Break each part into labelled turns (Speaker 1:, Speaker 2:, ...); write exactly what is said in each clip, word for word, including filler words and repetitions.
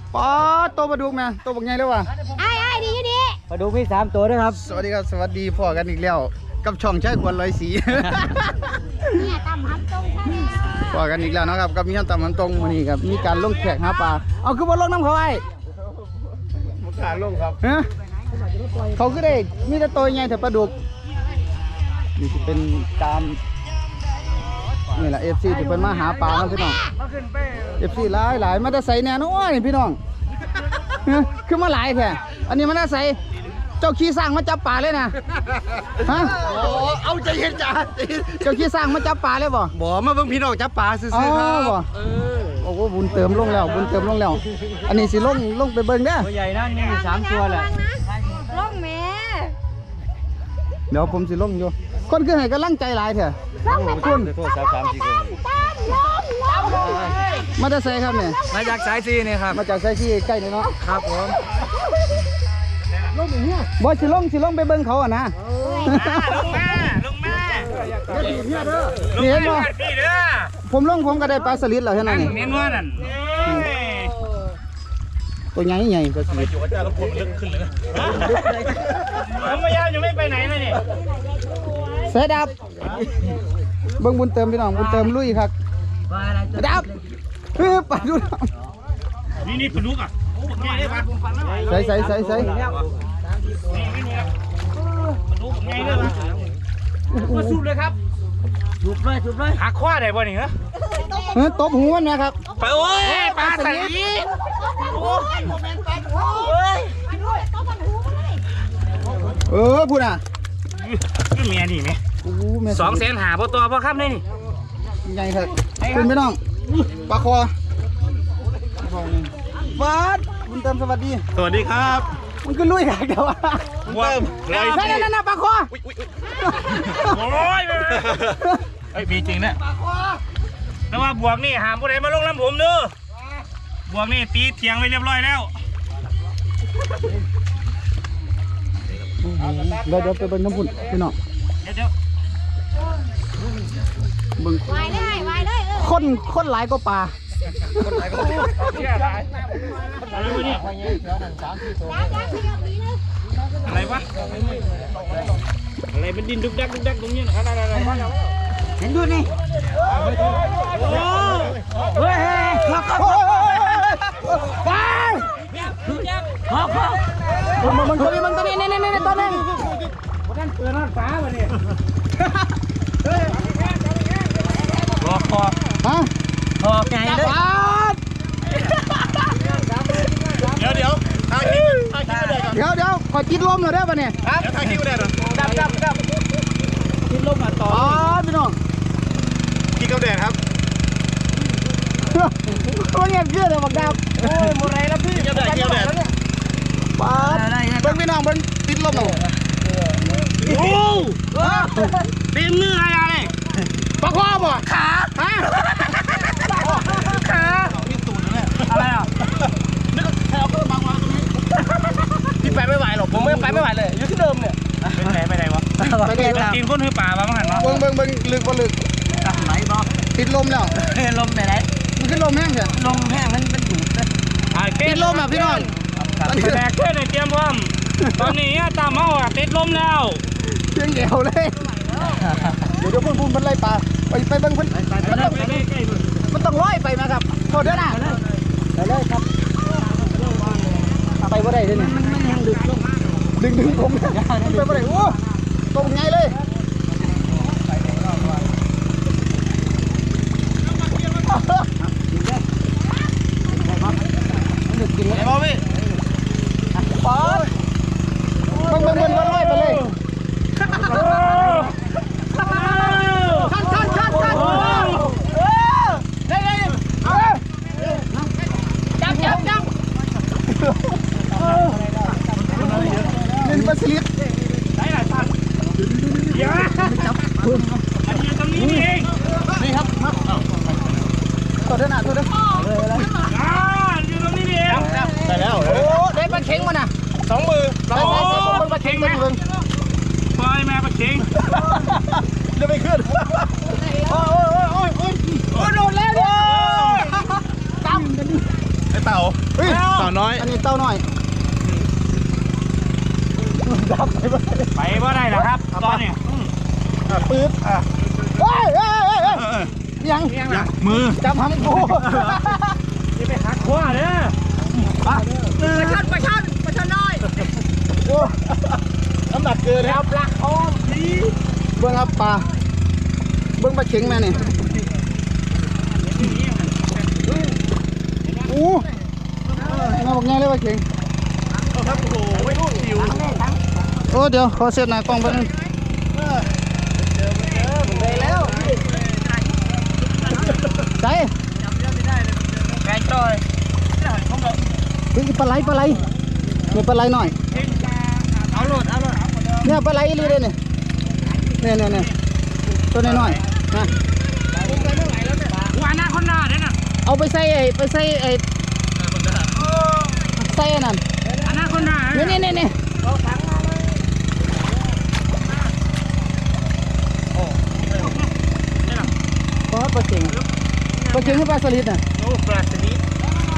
Speaker 1: ป๊อดตัวปลาดุกนะตัวบักใหญ่เลยวะ
Speaker 2: ไอ้ไอ้ดีอยู่ดี
Speaker 3: ปลาดุกมีสามตัวด้วยครับ
Speaker 1: สวัสดีครับสวัสดีพ่อกันอีกแล้วกับช่องใช้ควนร้อยสี
Speaker 2: เนี่ยตำฮับตรงใช่ไหม
Speaker 1: พ่อกันอีกแล้วนะครับกับมีขั้นต่ำมันตรงวันนี้ครับมีการลงแขกหาปลาเอาคือว่าลงน้ำเขาไอ้
Speaker 3: มุกขาลงครับ
Speaker 1: ฮะเขาคือได้มีแต่ตัวใหญ่แต่ปลาดุกนี่จะเป็นตามนี่แหละเอฟซีที่เป็นมาหาปลาครับพี่น้องเอฟซีหลายหลายมาจะใส่แน่นอนนี่พี่น้องฮะคือมาหลายแท้อันนี้มันน่าใส่เจ้าขี้สร้างมาจับปลาเลยนะฮะ
Speaker 3: เอาใจเย็นจ้า
Speaker 1: เจ้าขี้สร้างมาจับปลาเลยบ่
Speaker 3: บ่มาเบิ่งพี่น้องจับปลาซื้อ
Speaker 1: อ๋อ
Speaker 3: ๆครับ
Speaker 1: บ่โอ้โหบุญเติมลงแล้วบุญเติมลงแล้ว อันนี้สิลงลงไปเบิ่งเด้อ
Speaker 3: ตัวใหญ่นั่นนี่สามตัวแหละ
Speaker 2: ล่องแม่
Speaker 1: เดี๋ยวผมสิลงอยู่คนคือให้กำลังใจหลายเถอะ
Speaker 2: ล่องแม่
Speaker 1: คุณ
Speaker 3: โทษสามสามสี่คน
Speaker 2: ตามล่องล่อง
Speaker 1: มาจะใส่ครับเนี่ย
Speaker 3: มาจากสายซีนี่ครับ
Speaker 1: มาจากใส่ที่ใกล้นี่เนาะ
Speaker 3: ครับผม
Speaker 1: บ่สิลงสิลงไปเบิ่งเขาอ่ะนะ
Speaker 4: ลงมาลงมา
Speaker 1: นี่เห็นบ่
Speaker 4: พี่เด้อ
Speaker 1: ผมลงผมก็ได้ปลาสลิดแล้วเท่านั้นนี่
Speaker 4: เน้นว่านั่น
Speaker 1: ตัวใหญ่ใหญ่ปลาสลิด
Speaker 4: ผมไม่ยาวยังไม่ไปไหนเลยนี่
Speaker 1: เสยดับเบิ่งบุญเติมพี่น้องบุญเติมลุยครับดับเฮ้ยไปดู
Speaker 4: นี่นี่ปลาดุกอ่ะโอ้ใหญ่เลยปะ
Speaker 1: ใส่ใส่ใส่ใส่
Speaker 4: นี่ไม่นี่ปลาดุกใหญ่เลยปะมาสูบเลยครับ
Speaker 3: จุบเลยจุบเลย
Speaker 4: หักข้อได้ป่ะนี่เหรอ
Speaker 1: เฮ้ยตบหูมันนะครับ
Speaker 4: ไปโอ้ยปลาใส่ยีโอ้ยเฮ้ย
Speaker 1: เออพูดอ่ะ
Speaker 4: นี่เมียนี่ไหม
Speaker 1: โอ้โหแม่
Speaker 4: สองแสนหาพอตัวพอครับนี่
Speaker 1: ใหญ่ครับคุณพี่น้องปลาคอฟาดบุญเติมสวัสดี
Speaker 4: สวัสดีครับ
Speaker 1: มันก็ลุยกันเดี๋ยว
Speaker 4: เติมเลย
Speaker 1: นั่นนั่นนั่นปลาคอ
Speaker 4: โอ้ยไอ้มีจริงนะแต่ว่าบวกนี่หามผู้ใดมาลงลำผมเด้อบวกนี่ตีเทียงไว้เรียบร้อยแล้ว
Speaker 1: เดี๋ยวเดี๋ยวไปเบิ่งน้ำพุ่นพี่น้อง
Speaker 4: เดี๋ยวเดี๋ยว
Speaker 1: เบิ่ง
Speaker 2: วายเลยไวายเลยเออ
Speaker 1: คนคนหลายก็ปลา
Speaker 4: อะไรวะเนี่ย
Speaker 2: จ้าจ้าขยับดีนะ
Speaker 4: อะไรวะอะไรเป็นดินดุกดักดุกดักตรงนี้นะอะไรอะไรอะไร
Speaker 3: เห็นดูนี่
Speaker 4: โอ้
Speaker 3: เฮ้ยมาครับ
Speaker 1: ไป
Speaker 3: ขอขอ
Speaker 1: มันมันตัวนี้มันตัวนี้นี่นี่นี่ตัวนึง
Speaker 4: นั่นเตือนนั่นฟ้าวะเนี่ยรอคอ
Speaker 1: ฮะ
Speaker 3: ขอไงเลย
Speaker 1: ปลา
Speaker 4: เดี๋ยวเดี๋ยวทางคิวทางคิวเลยก่อน
Speaker 1: เดี๋ยวเดี๋ยวขอจิตลมหน่อยได้ป่ะเนี่ย
Speaker 4: ครับทางคิวเลยก่อนดับดับดับกินลมมาต่อ
Speaker 1: อ๋อพี่น้อง
Speaker 4: กินกับแดดครับ
Speaker 1: มันเงียบเชื่อเลยบักดาบ
Speaker 4: โอ้ยหมดไรแล้วพี่กินกับแดดกินกับแดด
Speaker 1: ปลาเบิ่งพี่น้องเบิ่งติดลมเอา
Speaker 4: โอ้เต็มเนื้ออะไรเลย
Speaker 1: ปลาคอบ่ขาฮะ
Speaker 4: ขาอะไรอ่ะ
Speaker 3: พี่ไปไม่ไหวหรอกผมไม่ไปไม่ไหวเลยอยู่ที่เดิมเนี่ย
Speaker 4: ไปไหนไปไหนวะ
Speaker 1: ไปเลยครับ
Speaker 4: กินก้นหือป่าบ้างหันวะ
Speaker 1: เบิ่งเบิ่งเบิ่งลึกบ่ลึก
Speaker 3: ไหนบอก
Speaker 1: ติดลมแล้ว
Speaker 3: ลมไปไหน
Speaker 1: มันขึ้นลมแห้งเถอะ
Speaker 3: ลมแห้งมันมันอยู่
Speaker 1: ติดลมอ่ะพี่น้อง
Speaker 4: แบกเพื่อนในเตรียมพร้อมตอนนี้ตามเมาอ่ะติดลมแล้ว
Speaker 1: เพียงเดียวเลยเดี๋ยวเดี๋ยวพุ่นพุ่นเพิ่นไล่ปลาไปไปเบิ่งเพิ่นมันต้องมันต้องร้อยไปนะครับโทษเด้อนะไปเลยครับไปบ่ได้เด้อนี่มันยังดึงดึงดึงผมไปบ่ได้โอ้ตรงไงเลย
Speaker 4: ไอ้บอพี่
Speaker 1: ปอดเบิ่งเบิ่งเบิ่งร้อยไปเลยชันชันชันชันเออได้ได้เอาจับจับจับเล่นปลาสลิด
Speaker 4: ได้หลายพันเดี๋ยวจับอันนี้ตรงนี้นี่เอง
Speaker 1: นี่ครับตัวเด้อนะตัวเด้อ
Speaker 4: อ่าอยู่ตรงนี้นี่เอง
Speaker 1: ได้แล้วโอ้ได้ปลาเข็งมาน่ะ
Speaker 4: สองมือ
Speaker 1: ใส่ใส่ใส่ปลาเข็งมาเบิ่ง
Speaker 4: ปล่อยแม่ปลาเข็ง
Speaker 1: เดี๋ยวไปขึ้นโอ้ยโอ้ยโอ้ยโอ้ยโอ้ยโดนแล้วเด้อตั้มกัน
Speaker 4: ไป
Speaker 3: เต่า
Speaker 1: เฮ้ย
Speaker 3: เต่าน้อย
Speaker 1: อันนี้เต้าน้อยดับไปไป
Speaker 4: ไปบ่ได้แล้วครับตอนนี้
Speaker 1: ปื๊ดเฮ้ยเฮ้ยเฮ้ยเฮ้ยยัง
Speaker 3: มือ
Speaker 1: จับหำกู
Speaker 4: จะไปหักขวาเด้อ
Speaker 1: ปลา
Speaker 2: ปลาช่อนปลาช่อนปลาช่อนน้อย
Speaker 1: โอ้น้ำหนักเกินครับ
Speaker 2: ปลาโอ้พี
Speaker 1: เบิ้งครับปลาเบิ้งปลาเข็งแม่นี่โอ้น่าบอกง่ายเลยปลาเข็ง
Speaker 3: ครับโอ้โหไม่รู้สิว
Speaker 1: โอ้เดี๋ยวขอเซตหน้ากล้องไปบนึง
Speaker 2: เลยแล้ว
Speaker 1: ใจ
Speaker 3: ไก่จอย
Speaker 1: เฮ้ยปลาไหลปลาไหลนี่ปลาไหลหน่อย
Speaker 3: เอาโหลดเอาโหลด
Speaker 1: เนี่ยปลาไหลอีหลีเลยเนี่ยเนี่ยเนี่ยเนี่ยตัวน้อยๆนะ
Speaker 4: ว่าหน้าคนหน้าเด้อน่ะ
Speaker 1: เอาไปใส่ไอ้ไปใส่ไอ้ใส่อันนั่น
Speaker 4: อันหน้าคนหน้า
Speaker 1: นี่นี่นี่นี่ปลาปลาเข็งปลาเข็งให้ปลาสลิดน่ะ
Speaker 4: โอ้ปลาสลิด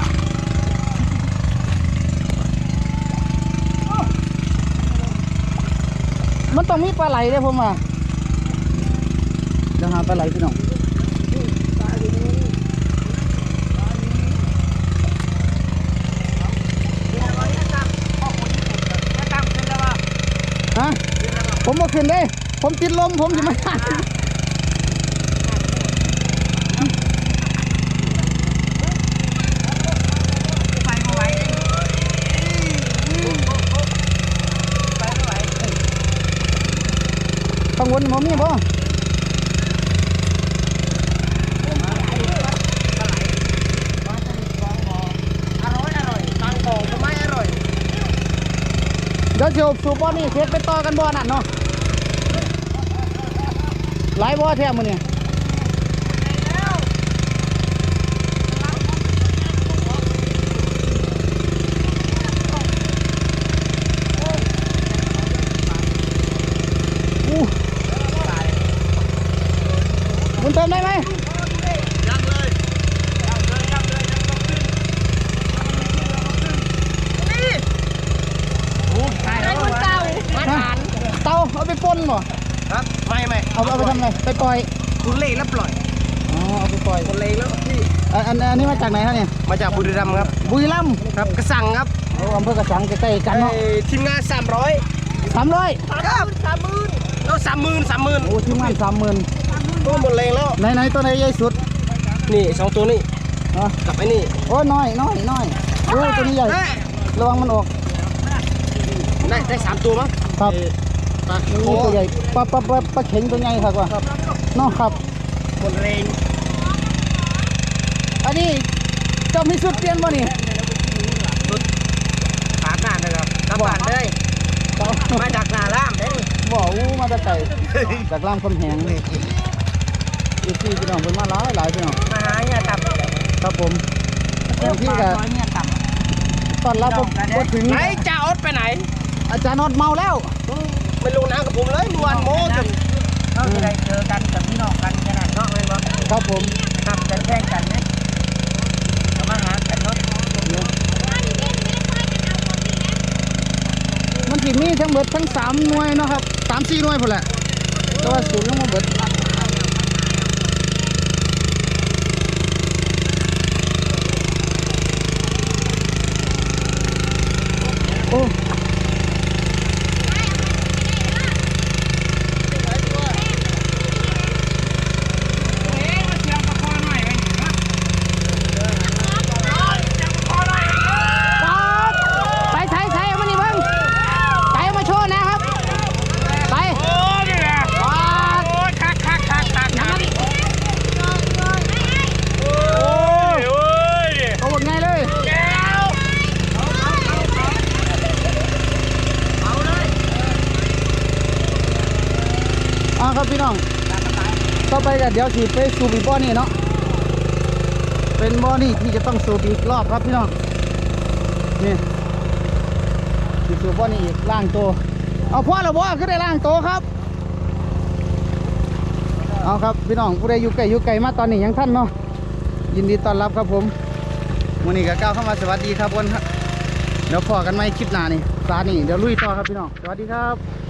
Speaker 1: มันต้องมีปลาไหลเด้อผมว่าเดี๋ยวหาปลาไหลพี่น้องฮะผมบ่ขึ้นเด้ผมติดลมผมจะมา
Speaker 2: ไปมาไว้
Speaker 1: ข้างบนมันมีบ่
Speaker 2: อร่อยอร่อยตังของก็ไม่อร่อย
Speaker 1: เดี๋ยวจะสูบบ่อนี่เสร็จไปต่อกันบ่อนั่นเนาะหลายบ่อแท้มื้อนี้อู้บุญเติมได้ไหม
Speaker 3: ยังเลย
Speaker 2: ไอ้คนเก่ามาทาน
Speaker 1: เตาเอาไปป่นบ่
Speaker 3: ครับไม่ไม่
Speaker 1: เอาเอาไปทำไงไปปล่อย
Speaker 3: คุณเล่แล้วปล่อย
Speaker 1: อ๋อเอาไปปล่อย
Speaker 3: คนเล่แล้วพี่
Speaker 1: อันอันอันนี้มาจากไหนครับเนี่ย
Speaker 3: มาจากบุรีรัมย์ครับ
Speaker 1: บุรีรัมย์
Speaker 3: ครับกระสังครับ
Speaker 1: โอ้อำเภอกระสังใกล้ๆกันเนาะ
Speaker 3: ไอ้ทีมงานสามร้อย
Speaker 1: สามร้อย
Speaker 3: ครับสามหมื่นแล้วสามหมื่นสามหมื่น
Speaker 1: โอ้ทีมงานสามหมื่น
Speaker 3: ตัวหมดแรงแล้ว
Speaker 1: ไหนไหนตัวไหนใหญ่สุด
Speaker 3: นี่สองตัวนี่
Speaker 1: อ๋อ
Speaker 3: กับไอ้นี่
Speaker 1: โอ้น้อยน้อยน้อยโอ้ตัวนี้ใหญ่
Speaker 3: ได้
Speaker 1: ระวังมันออก
Speaker 3: ได้ได้สามตัวมั้ง
Speaker 1: ครับ
Speaker 3: ปลา
Speaker 1: นี่
Speaker 3: โอ้
Speaker 1: ตัวใหญ่ปลาปลาปลาปลาเข็งตัวใหญ่ครับว่าเนาะครับ
Speaker 3: หมดแรง
Speaker 1: อันนี้เจ้ามีสุดเปลี่ยนบ่นี่
Speaker 3: ขาหน้านะครับกลับบ้านเลยมาจากนาล่ามเด้
Speaker 1: บ่อู้มาแตะไก่จากล่ามคำแหงอีกที่พี่น้องเพิ่นมาหลายหลายพี่น้อง
Speaker 2: มาหาเนี่ยตับ
Speaker 1: ครับผมบางที่ก็
Speaker 2: เนี่ยตับ
Speaker 1: ตอนรับบ่บ่ถึง
Speaker 3: ไหนจ่าอดไปไหน
Speaker 1: อาจารย์นอดเมาแล้ว
Speaker 3: ไม่ลงน้ำกับผมเลยเมื่อวานโม้จน
Speaker 2: ก็จะได้เจอกันกับพี่น้องกันขนาดเนาะเลยบ่
Speaker 1: ครับผม
Speaker 2: ทำกันแข่งกันเนี่ยมาหากันเนาะ
Speaker 1: มันสิมีทั้งเบิดทั้งสามหน่วยเนาะครับสามสี่หน่วยพุ่นแหละแต่ว่าสูงยังบ่เบิดโอ้ ไปใช้ใช้เอามานี่เบิ้งใช้เอามาโชว์นะครับ ไป
Speaker 4: โอ้นี่แหละโอ้ยคักคักคักคักคักโอ้ยโอ้ย
Speaker 1: เอาหมดไงเลย
Speaker 4: แก้ว
Speaker 1: อ่าครับพี่น้อง ต่อไปกันเดี๋ยวสิไปสูบอีกบ่อนี่เนาะ เป็นบ่อนี่ที่จะต้องสูบอีกรอบครับพี่น้อง นี่สิสูบบ่อนี่อีกล่างโตวเอาพ่อละบ่ขึ้นได้ล่างโตวครับ เอาครับพี่น้องผู้ใดอยู่ไกลอยู่ไกลมาตอนนี้ยังท่านเนาะ ยินดีต้อนรับครับผมวันนี้ก็ก้าวเข้ามาสวัสดีครับวันครับเดี๋ยวพอกันไหมคลิปหน้านี่ซานี่เดี๋ยวลุยต่อครับพี่น้องสวัสดีครับ